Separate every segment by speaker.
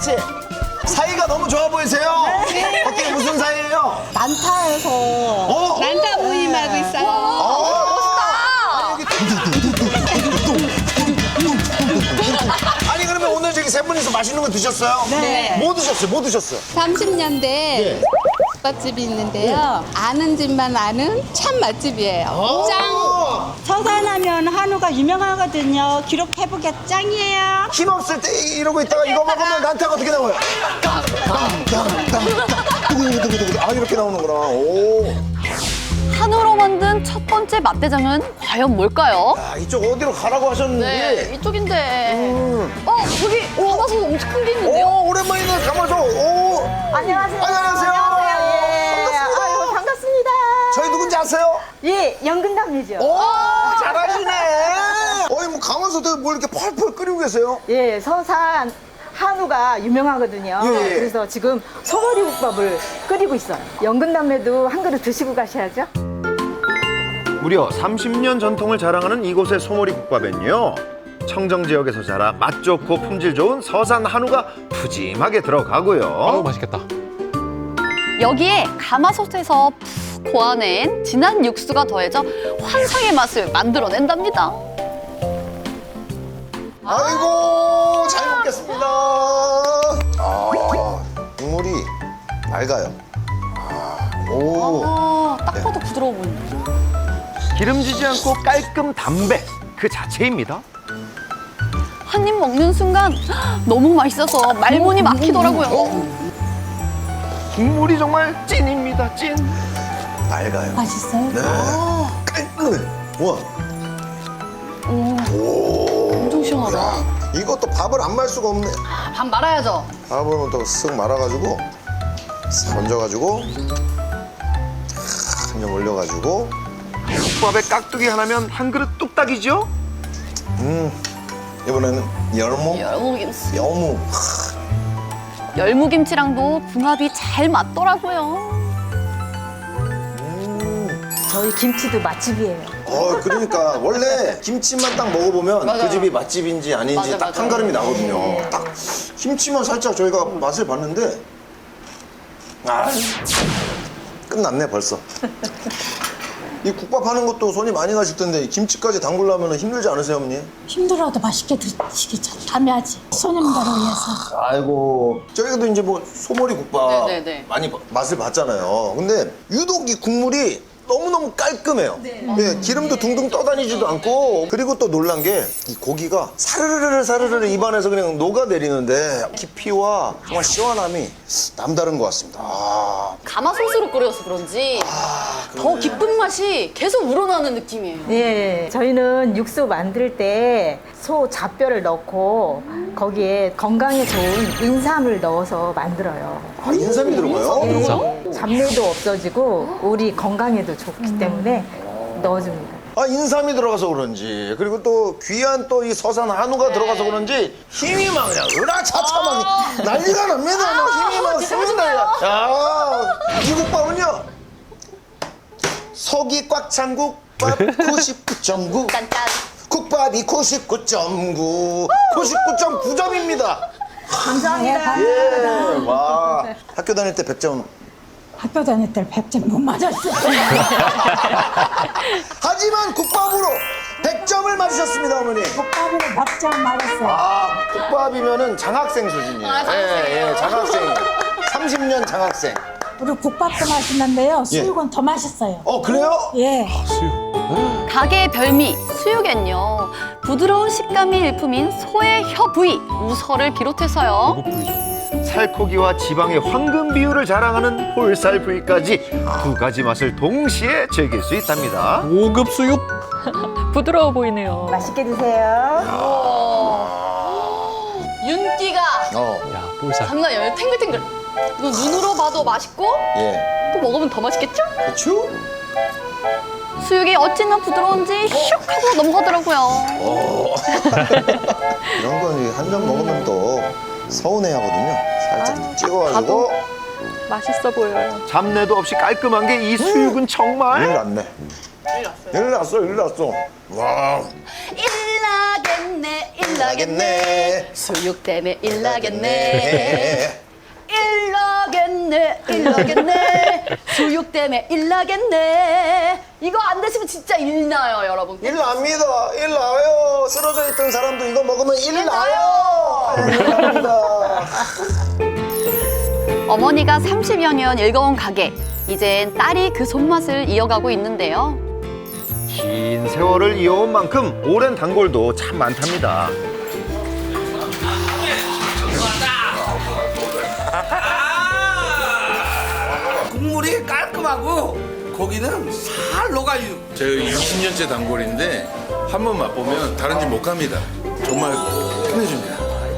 Speaker 1: 같이. 사이가 너무 좋아 보이세요?
Speaker 2: 네.
Speaker 1: 어떻게 무슨 사이예요?
Speaker 2: 난타에서
Speaker 3: 난타 모임하고 있어요.
Speaker 1: 아니 그러면 오늘 저기 세 분이서 맛있는 거 드셨어요?
Speaker 3: 네.
Speaker 1: 뭐 드셨어요? 뭐 드셨어요?
Speaker 3: 30년대
Speaker 1: 예.
Speaker 3: 국밥집이 있는데요. 아는 집만 아는 참 맛집이에요. 짱!
Speaker 2: 서산하면 한우가 유명하거든요. 기록해보게 짱이에요.
Speaker 1: 힘 없을 때 이러고 있다가 이거 먹으면 난타가 어떻게 나와요? 두구두구두구. 아 이렇게 나오는구나. 오.
Speaker 4: 한우로 만든 첫 번째 맛대장은 과연 뭘까요?
Speaker 1: 아, 이쪽 어디로 가라고 하셨는데.
Speaker 4: 네, 이쪽인데. 저기 가마솥 엄청 큰 게 있는데요?
Speaker 1: 오, 오랜만이네, 가마솥. 오.
Speaker 5: 안녕하세요.
Speaker 1: 안녕하세요.
Speaker 5: 예.
Speaker 1: 반갑습니다.
Speaker 5: 아유, 반갑습니다.
Speaker 1: 저희 누군지 아세요?
Speaker 5: 예, 연근담이죠.
Speaker 1: 오, 잘하시네. 어이, 뭐 가마솥에 뭘 이렇게 펄펄 끓이고 계세요?
Speaker 5: 예, 서산 한우가 유명하거든요.
Speaker 1: 예, 예.
Speaker 5: 그래서 지금 소머리국밥을 끓이고 있어요. 연근담에도 한 그릇 드시고 가셔야죠.
Speaker 6: 무려 30년 전통을 자랑하는 이곳의 소머리 국밥엔요, 청정 지역에서 자라 맛 좋고 품질 좋은 서산 한우가 푸짐하게 들어가고요.
Speaker 7: 아우 맛있겠다.
Speaker 4: 여기에 가마솥에서 푹 고아낸 진한 육수가 더해져 환상의 맛을 만들어낸답니다.
Speaker 1: 아이고, 잘 먹겠습니다. 아, 국물이 맑아요. 오.
Speaker 4: 딱 봐도 부드러워 보인다.
Speaker 6: 기름지지 않고 깔끔 담백 그 자체입니다.
Speaker 4: 한 입 먹는 순간 너무 맛있어서 말문이 막히더라고요.
Speaker 6: 국물이 정말 찐입니다, 찐.
Speaker 1: 맑아요.
Speaker 2: 맛있어요?
Speaker 1: 네. 깔끔해. 우와.
Speaker 4: 엄청 시원하다.
Speaker 1: 야, 이것도 밥을 안 말 수가 없네.
Speaker 4: 밥 말아야죠.
Speaker 1: 밥을 또 쓱 말아가지고, 싹 얹어가지고, 한 점 올려가지고,
Speaker 6: 국밥에 깍두기 하나면 한 그릇 뚝딱이죠?
Speaker 1: 이번에는 열무,
Speaker 4: 열무김치.
Speaker 1: 여무.
Speaker 4: 열무김치랑도 궁합이 잘 맞더라고요.
Speaker 5: 저희 김치도 맛집이에요.
Speaker 1: 그러니까 원래 김치만 딱 먹어보면 그 집이 맛집인지 아닌지 딱 한 가름이 나거든요. 딱 김치만 살짝 저희가 맛을 봤는데, 아, 끝났네 벌써. 이 국밥 하는 것도 손이 많이 가실 텐데 김치까지 담그려면 힘들지 않으세요, 어머니?
Speaker 2: 힘들어도 맛있게 드시기 잘하지. 손님들을 위해서.
Speaker 1: 아이고, 저희도 이제 뭐 소머리 국밥
Speaker 4: 네네네.
Speaker 1: 많이 맛을 봤잖아요. 근데 유독 이 국물이 너무너무 깔끔해요. 예, 기름도 둥둥 떠다니지도 않고, 그리고 또 놀란 게 이 고기가 사르르르 입안에서 그냥 녹아내리는데 깊이와 정말 시원함이 남다른 것 같습니다. 아,
Speaker 4: 가마솥으로 끓여서 그런지 더 깊은 맛이 계속 우러나는 느낌이에요.
Speaker 5: 예, 저희는 육수 만들 때 소 잡뼈를 넣고 거기에 건강에 좋은 인삼을 넣어서 만들어요.
Speaker 1: 아, 인삼이 들어가요?
Speaker 5: 예, 잡내도 없어지고 우리 건강에도 좋기 때문에 넣어줍니다.
Speaker 1: 아, 인삼이 들어가서 그런지, 그리고 또 귀한 또 이 서산 한우가 들어가서 그런지 힘이 막 그냥 으라차차 막 난리가 납니다. 막 힘이 막 씁니다. 야, 이 국밥은요, 속이 꽉 찬 국밥 99.9, 국밥이 99.9, 99.9점입니다.
Speaker 5: 감사합니다.
Speaker 1: 예, 와. 학교 다닐 때 100점.
Speaker 2: 학교 다닐 때 100점 못 맞았어요.
Speaker 1: 하지만 국밥으로 100점을 맞으셨습니다, 어머니.
Speaker 2: 국밥으로 100점 맞았어요.
Speaker 1: 아, 국밥이면은 장학생 수준이에요. 예, 장학생. 30년 장학생.
Speaker 2: 우리 국밥도 맛있는데요. 수육은 더 맛있어요.
Speaker 1: 그래요?
Speaker 2: 예.
Speaker 4: 가게의 별미 수육엔요, 부드러운 식감이 일품인 소의 혀 부위 우설을 비롯해서요,
Speaker 7: 배고프죠.
Speaker 6: 살코기와 지방의 황금 비율을 자랑하는 홀살 부위까지 두 가지 맛을 동시에 즐길 수 있답니다.
Speaker 7: 고급 수육.
Speaker 4: 부드러워 보이네요.
Speaker 5: 맛있게 드세요.
Speaker 4: 윤기가
Speaker 7: 야 볼살.
Speaker 4: 장난 아니에요. 탱글탱글. 이거 눈으로 봐도 맛있고
Speaker 1: 예.
Speaker 4: 또 먹으면 더 맛있겠죠?
Speaker 1: 그쵸?
Speaker 4: 수육이 어찌나 부드러운지 슉 하고 넘어가더라고요.
Speaker 1: 이런 건 한 점 먹으면 또 서운해 하거든요. 살짝 찍어가지고.
Speaker 4: 맛있어 보여요.
Speaker 6: 잡내도 없이 깔끔한 게 이 수육은
Speaker 1: 일
Speaker 6: 정말
Speaker 1: 났네. 일 났어. 와.
Speaker 4: 일 나겠네, 일 일나겠네. 수육 때문에 일나겠네. 일나겠네. 수육 때문에 일나겠네. 이거 안 드시면 진짜 일나요, 여러분.
Speaker 1: 일 납니다. 일 나요. 쓰러져 있던 사람도 이거 먹으면 일 나요. 일 납니다.
Speaker 4: 어머니가 30여 년 일궈온 가게. 이젠 딸이 그 손맛을 이어가고 있는데요.
Speaker 6: 긴 세월을 이어온 만큼 오랜 단골도 참 많답니다.
Speaker 8: 국물이 깔끔하고 고기는 살 녹아요.
Speaker 9: 제가 60년째 단골인데 한 번 맛보면 다른 집 못 갑니다. 정말 끝내줍니다.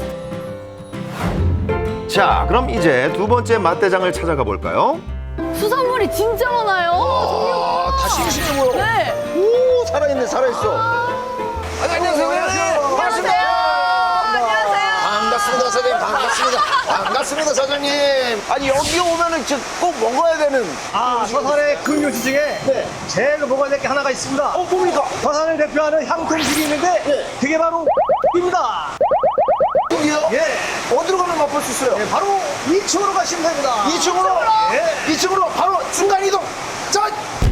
Speaker 6: 자, 그럼 이제 두 번째 맛대장을 찾아가 볼까요?
Speaker 4: 수산물이 진짜 많아요.
Speaker 1: 아, 다 싱싱해 보여.
Speaker 4: 네.
Speaker 1: 오, 살아있네, 살아있어. 안녕하세요. 반갑습니다. 반갑습니다, 사장님. 반갑습니다, 사장님. 아니, 여기 오면은 꼭 먹어야 되는.
Speaker 10: 서산의 근교지 중에 제일 먹어야 될 게 하나가 있습니다.
Speaker 1: 뭡니까?
Speaker 10: 서산을 대표하는 향토음식이 있는데 그게 바로 입니다.
Speaker 1: 여기요?
Speaker 10: 예.
Speaker 1: 어디로 가면 맛볼 수 있어요?
Speaker 10: 바로 2층으로 가시면 됩니다.
Speaker 1: 2층으로?
Speaker 10: 예.
Speaker 1: 2층으로 바로 순간 이동. 자,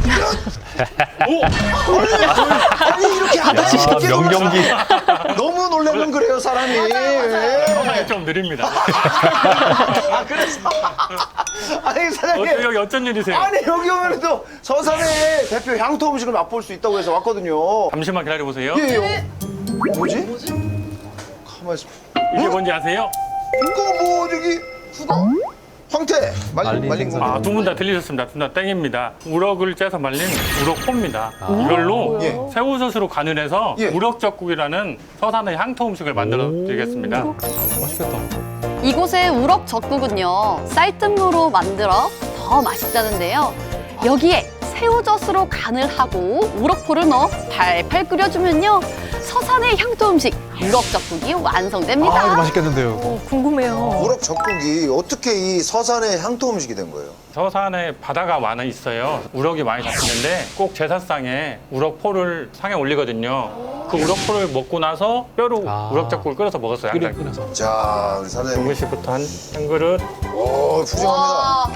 Speaker 1: 아니 이렇게 하다 이렇게
Speaker 7: 명경기.
Speaker 1: 너무 놀라면 그래요 사람이. 예.
Speaker 11: 좀 느립니다.
Speaker 1: 그래서 아니 사장님
Speaker 11: 여기 어쩐 일이세요?
Speaker 1: 아니 여기 오면 또 서산의 대표 향토 음식을 맛볼 수 있다고 해서 왔거든요.
Speaker 11: 잠시만 기다려보세요.
Speaker 1: 예. 뭐지? 가만 있어.
Speaker 11: 이게 뭔지 아세요?
Speaker 1: 이거 뭐 저기 황태 말린 거.
Speaker 11: 아, 두 분 다 들리셨습니다. 둘 다 땡입니다. 우럭을 째서 말린 우럭포입니다. 이걸로
Speaker 1: 예.
Speaker 11: 새우젓으로 간을 해서
Speaker 1: 예.
Speaker 11: 우럭젓국이라는 서산의 향토 음식을 만들어 드리겠습니다.
Speaker 7: 맛있겠다.
Speaker 4: 이곳의 우럭 젓국은요, 쌀뜨물로 만들어 더 맛있다는데요. 여기에 새우젓으로 간을 하고 우럭포를 넣어 팔팔 끓여주면요, 서산의 향토 음식 우럭젓국이 완성됩니다.
Speaker 7: 아, 이거 맛있겠는데요.
Speaker 5: 궁금해요.
Speaker 1: 우럭 젓국이 어떻게 이 서산의 향토 음식이 된 거예요?
Speaker 11: 서산에 바다가 많아 있어요. 우럭이 많이 잡히는데 꼭 제사상에 우럭포를 상에 올리거든요. 그 우럭포를 먹고 나서 뼈로 우럭젓국을 끓여서 먹었어요. 항상.
Speaker 7: 끓여서.
Speaker 1: 자, 우리 사장님.
Speaker 11: 중국식부터 한 그릇.
Speaker 1: 오, 푸짐합니다.
Speaker 4: 와,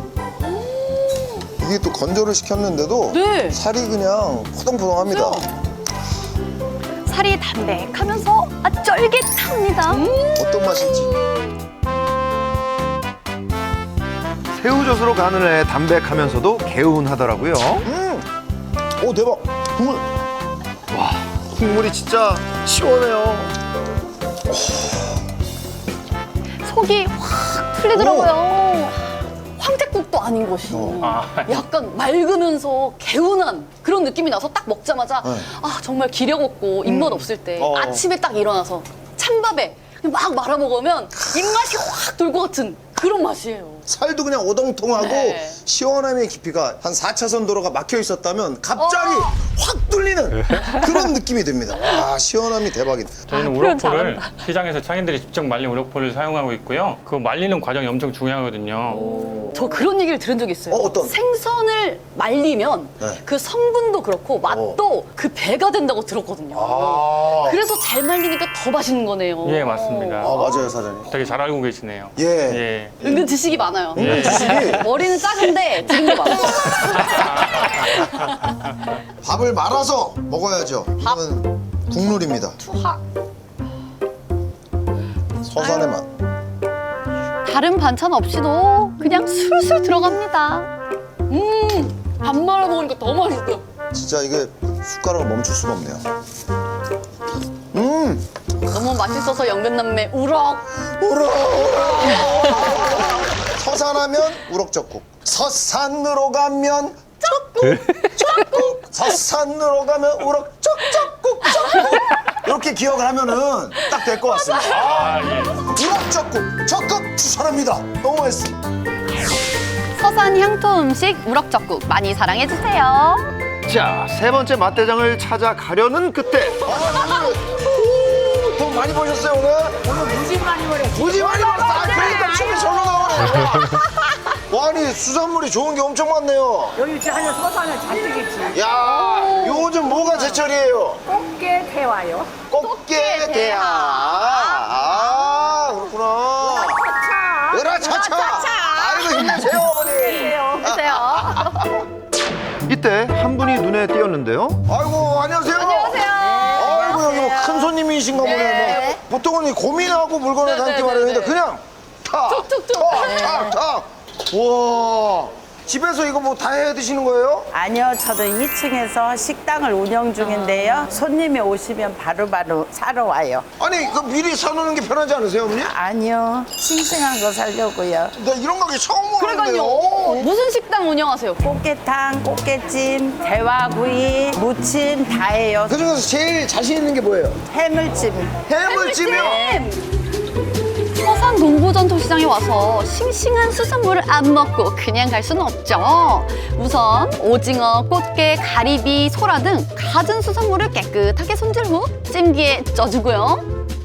Speaker 1: 이게 또 건조를 시켰는데도
Speaker 4: 네.
Speaker 1: 살이 그냥 포동포동합니다.
Speaker 4: 살이 담백하면서 쫄깃합니다.
Speaker 1: 어떤 맛일지.
Speaker 6: 새우젓으로 간을 해 담백하면서도 개운하더라고요.
Speaker 1: 오, 대박. 국물.
Speaker 6: 국물이 진짜 시원해요.
Speaker 4: 속이 확 풀리더라고요. 황태국도 아닌 것이 약간 맑으면서 개운한 그런 느낌이 나서 딱 먹자마자 아 정말 기력 없고 입맛 없을 때 아침에 딱 일어나서 찬밥에 막 말아 먹으면 입맛이 확 돌 것 같은 그런 맛이에요.
Speaker 1: 살도 그냥 오동통하고
Speaker 4: 네.
Speaker 1: 시원함의 깊이가 한 4차선 도로가 막혀 있었다면 갑자기 확 뚫리는 그런 느낌이 듭니다. 와, 시원함이 대박이다.
Speaker 11: 저희는
Speaker 4: 표현
Speaker 11: 우럭포를 시장에서 창인들이 직접 말린 우럭포를 사용하고 있고요. 그 말리는 과정이 엄청 중요하거든요.
Speaker 4: 저 그런 얘기를 들은 적이 있어요.
Speaker 1: 어떤?
Speaker 4: 생선을 말리면
Speaker 1: 네.
Speaker 4: 그 성분도 그렇고 맛도 그 배가 된다고 들었거든요. 그래서 잘 말리니까 더 맛있는 거네요.
Speaker 11: 예, 맞습니다.
Speaker 1: 아, 맞아요, 사장님.
Speaker 11: 되게 잘 알고 계시네요.
Speaker 1: 예.
Speaker 11: 예.
Speaker 4: 은근 지식이 많아요.
Speaker 11: 예.
Speaker 1: 지식이
Speaker 4: 머리는 작은데 들은 게 많아요.
Speaker 1: 밥을 말아서 먹어야죠. 이건 국룰입니다.
Speaker 4: 투하.
Speaker 1: 서산의 맛.
Speaker 4: 다른 반찬 없이도 그냥 술술 들어갑니다. 밥 말아 먹으니까 더 맛있어요.
Speaker 1: 진짜 이게 숟가락을 멈출 수가 없네요.
Speaker 4: 너무 맛있어서 연근남매 우럭.
Speaker 1: 서산하면 우럭젓국. 서산으로 가면 젓국. 서산으로 가면 우럭젓국. 이렇게 기억을 하면은 딱 될 것 같습니다.
Speaker 11: 아, 예.
Speaker 1: 우럭젓국 적극 추천합니다. 너무 맛있습니다.
Speaker 4: 서산 향토 음식 우럭젓국 많이 사랑해주세요.
Speaker 6: 자, 세 번째 맛대장을 찾아가려는 그때
Speaker 1: 돈 많이 버셨어요 오늘?
Speaker 5: 무지 많이 버렸어.
Speaker 1: 무지 많이 벌었어. 아, 그러니까 춤이 절로 나오네. 와, 아니 수산물이 좋은 게 엄청 많네요.
Speaker 5: 여기 하나 서서 하나 잔뜩
Speaker 1: 야, 요즘 뭐가 제철이에요?
Speaker 5: 꽃게 태와요.
Speaker 1: 꽃게 대하. 아, 그렇구나. 으라차차. 아이고 힘내세요 어머니.
Speaker 6: 이때 한 분이 눈에 띄었는데요.
Speaker 1: 아이고 안녕하세요. 아이고 여기 뭐 큰 손님이신가 보네요. 뭐. 보통은 이 고민하고 물건을 담기 마련인데 그냥 탁탁탁탁. 와. 집에서 이거 뭐 다 해 드시는 거예요?
Speaker 12: 아니요, 저도 2층에서 식당을 운영 중인데요. 손님이 오시면 바로바로 사러 와요.
Speaker 1: 아니 그 미리 사놓는 게 편하지 않으세요 어머니?
Speaker 12: 아니요, 싱싱한 거 사려고요.
Speaker 1: 나 이런 가게 처음 보는데요.
Speaker 4: 그러니까요. 무슨 식당 운영하세요?
Speaker 12: 꽃게탕, 꽃게찜, 대화구이, 무침 다 해요.
Speaker 1: 그중에서 제일 자신 있는 게 뭐예요?
Speaker 12: 해물찜.
Speaker 1: 해물찜이요?
Speaker 4: 서산 동부전통시장에 와서 싱싱한 수산물을 안 먹고 그냥 갈 수는 없죠. 우선 오징어, 꽃게, 가리비, 소라 등 갖은 수산물을 깨끗하게 손질 후 찜기에 쪄주고요.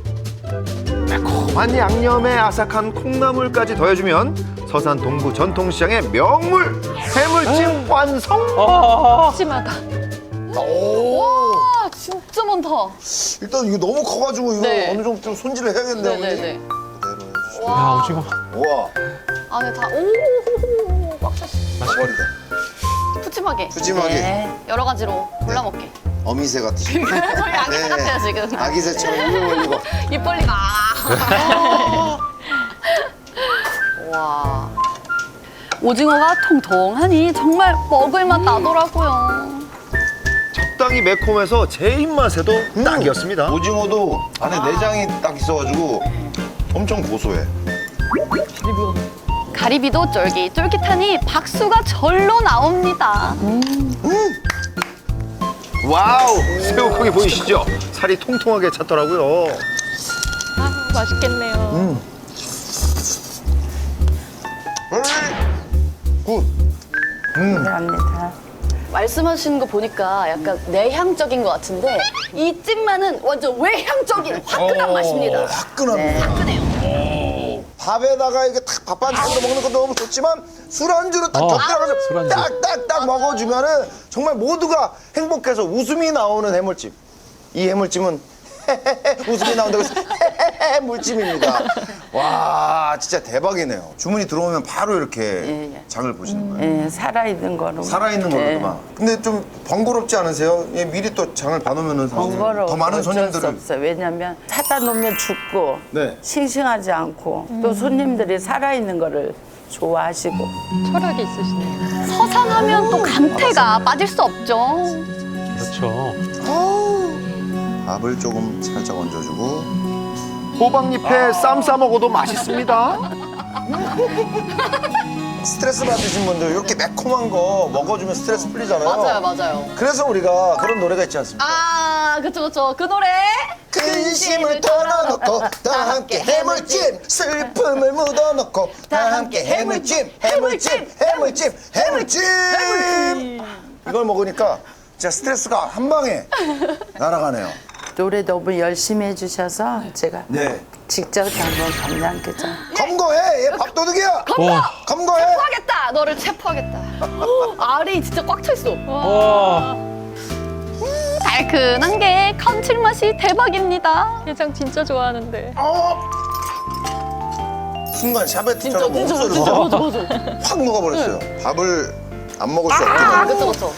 Speaker 6: 매콤한 양념에 아삭한 콩나물까지 더해주면 서산 동부 전통시장의 명물 해물찜 완성.
Speaker 4: 푸짐하다.
Speaker 1: 오.
Speaker 4: 와, 진짜 많다.
Speaker 1: 일단 이거 너무 커가지고 이거
Speaker 4: 네.
Speaker 1: 어느 정도 좀 손질을 해야겠네요 어머니.
Speaker 4: 네네네.
Speaker 7: 야, 오징어.
Speaker 1: 우와.
Speaker 4: 안에 다 오, 꽉 찼어.
Speaker 1: 머리다.
Speaker 4: 푸짐하게.
Speaker 1: 푸짐하게.
Speaker 12: 네.
Speaker 4: 여러 가지로 골라 먹게.
Speaker 1: 어미새 같으시.
Speaker 4: 저희 아기새 같아요 지금.
Speaker 1: 아기새처럼 입을 벌리고.
Speaker 4: 입 벌리가. 와. 오징어가 통통하니 정말 먹을 맛 나더라고요.
Speaker 6: 적당히 매콤해서 제 입맛에도 딱이었습니다.
Speaker 1: 오징어도 안에 내장이 딱 있어가지고 엄청 고소해.
Speaker 4: 가리비도 쫄깃쫄깃하니 박수가 절로 나옵니다.
Speaker 6: 와우, 새우콩이 보이시죠? 살이 통통하게 찼더라고요.
Speaker 4: 맛있겠네요.
Speaker 1: 굿.
Speaker 12: 감사합니다.
Speaker 4: 말씀하시는 거 보니까 약간 내향적인 것 같은데 이 찜만은 완전 외향적인 화끈한 맛입니다.
Speaker 1: 화끈합니다.
Speaker 4: 화끈해요.
Speaker 1: 밥에다가 이게 탁 밥 반찬으로 먹는 것도 너무 좋지만 술안주로 딱 곁들여가지고
Speaker 7: 술안주.
Speaker 1: 딱딱딱 먹어주면은 정말 모두가 행복해서 웃음이 나오는 해물찜. 이 해물찜은 웃음이 나온다고 해서 물찜입니다. 와 진짜 대박이네요. 주문이 들어오면 바로 이렇게 장을 보시는 거예요.
Speaker 12: 예, 살아있는 거로.
Speaker 1: 살아있는 거로만. 근데 좀 번거롭지 않으세요? 예, 미리 또 장을 봐놓으면은 사실
Speaker 12: 번거로워.
Speaker 1: 더 많은
Speaker 12: 어쩔 수
Speaker 1: 손님들을.
Speaker 12: 없어요. 왜냐면 사다 놓으면 죽고
Speaker 1: 네.
Speaker 12: 싱싱하지 않고 또 손님들이 살아있는 거를 좋아하시고.
Speaker 4: 철학이 있으시네요. 서산하면 또 감태가 빠질 수 없죠.
Speaker 7: 그렇죠.
Speaker 1: 밥을 조금 살짝 얹어주고.
Speaker 6: 호박잎에 쌈 싸 먹어도 맛있습니다.
Speaker 1: 스트레스 받으신 분들 이렇게 매콤한 거 먹어주면 스트레스 풀리잖아요.
Speaker 4: 맞아요.
Speaker 1: 그래서 우리가 그런 노래가 있지 않습니까?
Speaker 4: 아, 그쵸. 그 노래.
Speaker 1: 근심을 털어놓고 다 함께 해물찜, 슬픔을 묻어놓고 다 함께 해물찜. 이걸 먹으니까 진짜 스트레스가 한 방에 날아가네요.
Speaker 12: 노래 너무 열심히 해주셔서 제가
Speaker 1: 네.
Speaker 12: 직접 한번 감량게장.
Speaker 1: 검거해! 얘 밥도둑이야! 검거해!
Speaker 4: 체포하겠다. 너를 체포하겠다. 알이 진짜 꽉 차 있어.
Speaker 7: 와.
Speaker 4: 달큰한 게 감칠맛이 대박입니다. 게장 진짜 좋아하는데.
Speaker 1: 순간 샤베트처럼 목소리가
Speaker 4: 진짜 맞아.
Speaker 1: 확 녹아버렸어요. 밥을 안 먹을 수 없게
Speaker 4: 아,
Speaker 1: 만든.
Speaker 4: 그쵸.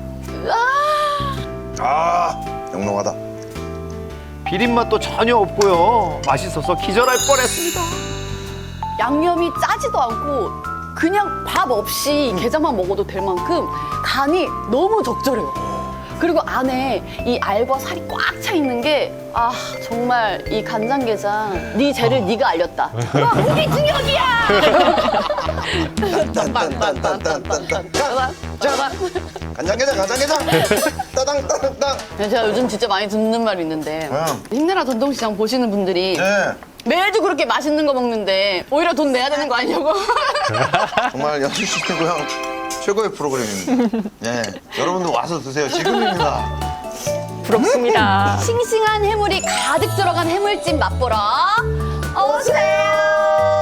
Speaker 1: 영롱하다.
Speaker 6: 비린맛도 전혀 없고요. 맛있어서 기절할 뻔했습니다.
Speaker 4: 양념이 짜지도 않고 그냥 밥 없이 게장만 먹어도 될 만큼 간이 너무 적절해요. 그리고 안에 이 알과 살이 꽉 차 있는 게 정말 이 간장게장 네 죄를 네가 알렸다. 와, 무기징역이야.
Speaker 1: 간장게장 따당따당땅.
Speaker 4: 제가 요즘 진짜 많이 듣는 말이 있는데 힘내라 전통시장 보시는 분들이
Speaker 1: 네.
Speaker 4: 매주 그렇게 맛있는 거 먹는데 오히려 돈 내야 되는 거 아니냐고.
Speaker 1: 정말 연수시대 고향 최고의 프로그램입니다. 네, 여러분도 와서 드세요. 지금입니다.
Speaker 4: 부럽습니다. 싱싱한 해물이 가득 들어간 해물찜 맛보러 오세요.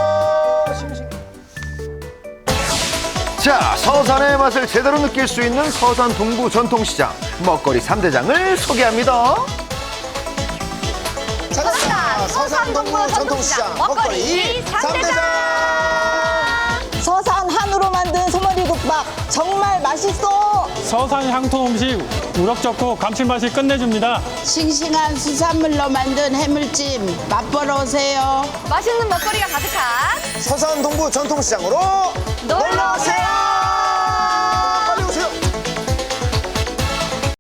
Speaker 6: 자, 서산의 맛을 제대로 느낄 수 있는 서산 동부 전통시장 먹거리 3대장을 소개합니다.
Speaker 1: 찾았다. 서산 동부 전통시장 먹거리 3대장.
Speaker 5: 서산 한우로 만든 소머리국밥 정말 맛있어.
Speaker 11: 서산 향토 음식 우럭 좋고 감칠맛이 끝내줍니다.
Speaker 12: 싱싱한 수산물로 만든 해물찜 맛보러 오세요.
Speaker 4: 맛있는 먹거리가 가득한
Speaker 1: 서산 동부 전통시장으로
Speaker 4: 놀러 오세요.